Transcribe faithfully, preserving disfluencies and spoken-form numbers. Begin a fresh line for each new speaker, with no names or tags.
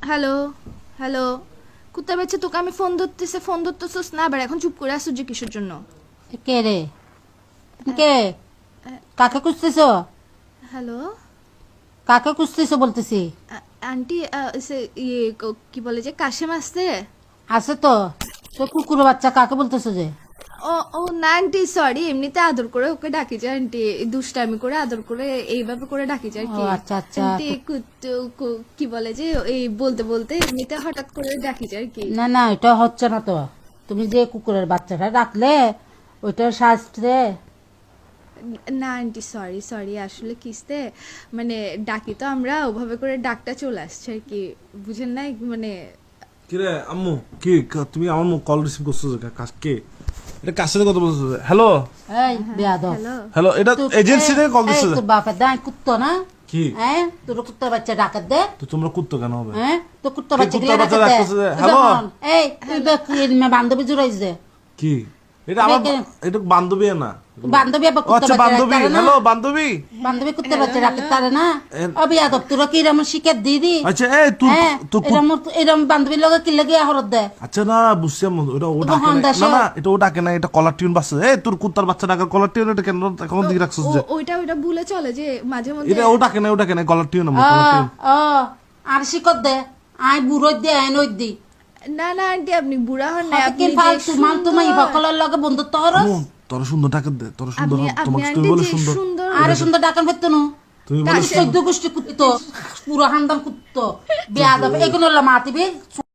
Hello hello কুত্তা বেচ্ছে তোকে আমি ফোন ধরতেছে ফোন ধরতেছিস না আবার এখন চুপ করে আসছিস যে কিসের জন্য?
কে রে? কে? কাকে খুঁজতেছ?
হ্যালো
কাকে খুঁজতেছ বলতেছি?
আন্টি সে ইয়ে ক- কি বলে যে কাশেম আসছে?
আছে তো। তো কুকুর বাচ্চা কাকে বলতেছো যে?
ও ও না আন্টি সরি এমনিতে আদর করে ওকে ডাকি যায় আন্টি দুষ্টামি করে আদর করে এইভাবে করে ডাকি যায় আর কি।
ও, আচ্ছা, আচ্ছা।
আন্টি কুত্তু কু- কি বলে যে এই বলতে বলতে এমনিতে হঠাৎ করে ডাকি যায় আর কি।
না না, এটা হচ্ছে না তো। তুমি যে কুকুরের বাচ্চাটা রাখলে ওইটার শাস্ত্রে
না আন্টি সরি সরি আসলে কিসতে মানে ডাকি তো আমরা ওভাবে করে ডাকটা চলে আসছে আর কি বুঝেন না মানে
কিরে আম্মু কি ক- তুমি আমার কল রিসিভ করছো যে কাজ কে এটা কার সাথে কথা বলছো হ্যালো
এই বেয়াদব।
হ্যালো
হ্যালো এটা
তো-
এজেন্সি থেকে কল
এই,
দিচ্ছে
তোর বাপের দায় কুত্তো না?
কি
হ্যাঁ, তোর কুত্তার বাচ্চা ডাকাত দে।
তো তোমরা কুত্তো কেন হবে
হ্যাঁ, তোর কুত্তার
কে
বাচ্চা
কুত্তার বাচ্চা
ডাকাত দে।
রাখতেছে যে?
তুই
হ্যালো?
যখন- এই তুই বা কি এর বান্ধবী জুড়াইছ দে।
কি এটা আমার
কে-
এটা বান্ধবী না
বান্ধবী আবার
ও,
কুত্তার
আচ্ছা
বাচ্চা
বান্ধবী
রাখতে পারে না?
হ্যালো বান্ধবী
বান্ধবী কুত্তার বাচ্চা রাখতে পারে না?
এ-
ও বেয়াদব, তোরা কি এরম শিকার দিদি?
আচ্ছা এই তুই
হ্যাঁ,
তুই কু-
এরম এরম বান্ধবীর লগে কি লাগে হরত দে?
আচ্ছা না বুঝছি আম্মু এটা ও
তো
ডাকে
হন
না
দাসে।
না, না এটা ও ডাকে না এটা কলার টিউন বাজছে এই তোর কুত্তার বাচ্চা ডাকার কলার টিউন এটা কেন এখন দিকে রাখছিস যে
ও- ওইটা ওইটা ভুলে চলে যে মাঝে মধ্যে
এটা ও ডাকে না ও ডাকে না কলার টিউন আম্মু
ও,
caller tune
O, R শিকর they. I বুড়ো দে আই নই দি।
না না আন্টি আপনি বুড়া হন না আপনি
কি
যে
ফালতু মান তুমি
সুন্দর-
সকলের লগে বন্ধুত্ব হরস?
আম্মু তোর সুন্দর ডাকে দে তোর সুন্দর
আপনি আপনি
তোমাকে
আন্টি
তুমি বলে
যে
সুন্দর
সুন্দর
আরে সুন্দর ডাকান ফেরতো নো।
তুমি বলে
চোদ্দ গোষ্ঠী কুত্তো, পুরো হান্দাম কুত্তো, বেয়াদব, এগুলো মাতিবি